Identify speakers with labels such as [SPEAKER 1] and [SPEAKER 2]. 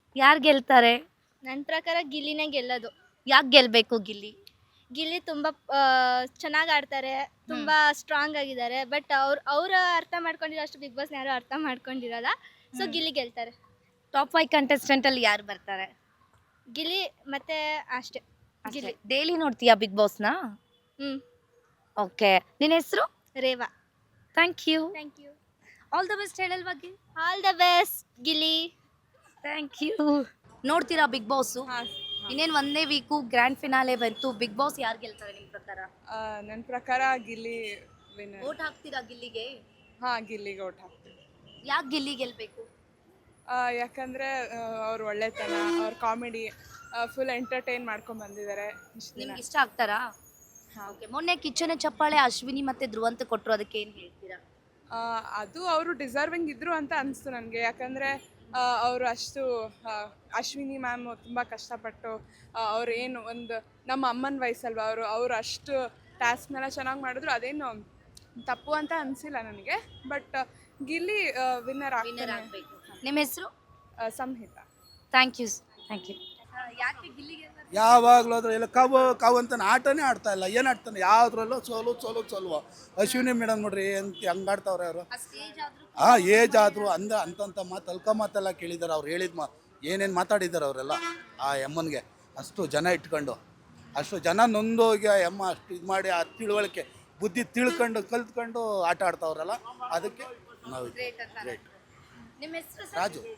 [SPEAKER 1] ಯಾರು ಗೆಲ್ತಾರೆ?
[SPEAKER 2] ನನ್ನ ಪ್ರಕಾರ ಗಿಲ್ಲಿನೇ ಗೆಲ್ಲೋದು.
[SPEAKER 1] ಯಾಕೆ ಗೆಲ್ಬೇಕು ಗಿಲ್ಲಿ?
[SPEAKER 2] ಗಿಲ್ಲಿ ತುಂಬ ಚೆನ್ನಾಗಿ ಆಡ್ತಾರೆ, ತುಂಬ ಸ್ಟ್ರಾಂಗ್ ಆಗಿದ್ದಾರೆ. ಬಟ್ ಅವ್ರು ಅರ್ಥ ಮಾಡ್ಕೊಂಡಿರೋ ಅಷ್ಟು ಬಿಗ್ ಬಾಸ್ನ ಯಾರು ಅರ್ಥ ಮಾಡ್ಕೊಂಡಿರಲ್ಲ. ಸೊ ಗಿಲ್ಲಿ ಗೆಲ್ತಾರೆ.
[SPEAKER 1] ಟಾಪ್ 5 ಕಂಟೆಸ್ಟೆಂಟ್ ಅಲ್ಲಿ ಯಾರು ಬರ್ತಾರೆ?
[SPEAKER 2] ಗಿಲ್ಲಿ ಮತ್ತೆ ಅಷ್ಟೇ. ಗಿಲ್ಲಿ.
[SPEAKER 1] ಡೈಲಿ ನೋಡ್ತೀಯಾ ಬಿಗ್ ಬಾಸ್ನ?
[SPEAKER 2] ಹ್ಞೂ.
[SPEAKER 1] ಓಕೆ. ನಿನ್ನ ಹೆಸರು?
[SPEAKER 2] Reva.
[SPEAKER 1] Thank you.
[SPEAKER 2] Thank you.
[SPEAKER 1] All the best ಹೇಳಲ್ವಾ Gilli?
[SPEAKER 2] All the best Gilli.
[SPEAKER 1] Thank you. ನೋಡ್ತೀರಾ ಬಿಗ್ ಬಾಸು? ಇನ್ನೇನು ಒಂದೇ ವೀಕು ಗ್ರ್ಯಾಂಡ್ ಫಿನಾಲೆ ಬಂತು. ಬಿಗ್ ಬಾಸ್ ಯಾರು ಗೆಲ್ತಾರೆ ನಿಮ್ಮ ಪ್ರಕಾರ?
[SPEAKER 3] ನನ್ನ ಪ್ರಕಾರ ಗಿಲ್ಲಿ ವಿನ್ನರ್.
[SPEAKER 1] ಓಟ್ ಹಾಕ್ತೀರಾ ಗಿಲ್ಲಿಗೆ?
[SPEAKER 3] ಗಿಲ್ಲಿಗೆ ಓಟ್ ಹಾಕ್ತೀನಿ.
[SPEAKER 1] ಯಾಕೆ ಗಿಲ್ಲಿ ಗೆಲ್ಬೇಕು?
[SPEAKER 3] ಯಾಕಂದರೆ ಅವ್ರ ಒಳ್ಳೆತನ, ಅವ್ರ ಕಾಮಿಡಿ ಫುಲ್ ಎಂಟರ್ಟೈನ್ ಮಾಡ್ಕೊಂಡು ಬಂದಿದ್ದಾರೆ ಇಷ್ಟು ದಿನ.
[SPEAKER 1] ನಿಮ್ಗೆ ಇಷ್ಟ ಆಗ್ತಾರಾ? ಓಕೆ. ಮೊನ್ನೆ ಕಿಚ್ಚನ ಚಪ್ಪಾಳೆ ಅಶ್ವಿನಿ ಮತ್ತೆ ಧ್ರುವಂತ ಕೊಟ್ಟರು, ಅದಕ್ಕೆ ಏನು ಹೇಳ್ತೀರಾ?
[SPEAKER 3] ಅದು ಅವರು ಡಿಸರ್ವಿಂಗ್ ಇದ್ರು ಅಂತ ಅನಿಸ್ತು ನನಗೆ. ಯಾಕಂದರೆ ಅವರು ಅಷ್ಟು ಅಶ್ವಿನಿ ಮ್ಯಾಮ್ ತುಂಬ ಕಷ್ಟಪಟ್ಟು ಅವ್ರು ಏನು ಒಂದು ನಮ್ಮ ಅಮ್ಮನ ವಯಸ್ಸಲ್ವ ಅವರು ಅಷ್ಟು ಟಾಸ್ಕ್ನೆಲ್ಲ ಚೆನ್ನಾಗಿ ಮಾಡಿದ್ರು. ಅದೇನು ತಪ್ಪು ಅಂತ ಅನಿಸಿಲ್ಲ ನನಗೆ. ಬಟ್ ಗಿಲ್ಲಿ ವಿನ್ನರ್
[SPEAKER 1] ಆಗಬೇಕು. ನಿಮ್ಮ ಹೆಸರು?
[SPEAKER 3] Samhita.
[SPEAKER 1] Thank you. Thank you. ಯಾಕೆ ಗಿಲ್ಲಿಗೆ
[SPEAKER 4] ಯಾವಾಗಲೂ ಅದ್ರ ಎಲ್ಲ ಕಾವು ಅಂತ ಆಟನೇ ಆಡ್ತಾ ಇಲ್ಲ. ಏನು ಆಡ್ತಾನೆ ಯಾವುದ್ರಲ್ಲೂ ಸೋಲು. ಅಶ್ವಿನಿ ಮೇಡಮ್ ನೋಡ್ರಿ ಅಂತ ಹಂಗೆ ಆಡ್ತಾವ್ರೆ ಅವರು. ಏಜ್ ಆದರೂ ಅಂತಂತ ಮಾತು ಅಲ್ಕ ಮಾತೆಲ್ಲ ಕೇಳಿದ್ದಾರೆ. ಅವ್ರು ಹೇಳಿದ ಏನೇನು ಮಾತಾಡಿದ್ದಾರೆ ಅವರೆಲ್ಲ ಆ ಎಮ್ಮನಿಗೆ. ಅಷ್ಟು ಜನ ಇಟ್ಕೊಂಡು ಅಷ್ಟು ಜನ ನೊಂದೋಗಿ ಆ ಎಮ್ಮ ಅಷ್ಟು ಇದು ಮಾಡಿ ಆ ತಿಳುವಳಿಕೆ ಬುದ್ಧಿ ಕಲ್ತ್ಕೊಂಡು ಆಟ ಆಡ್ತಾವ್ರಲ್ಲ, ಅದಕ್ಕೆ ನಾವು ಗ್ರೇಟ್.
[SPEAKER 1] ನಿಮ್ಮ ಹೆಸರು?
[SPEAKER 4] ರಾಜು.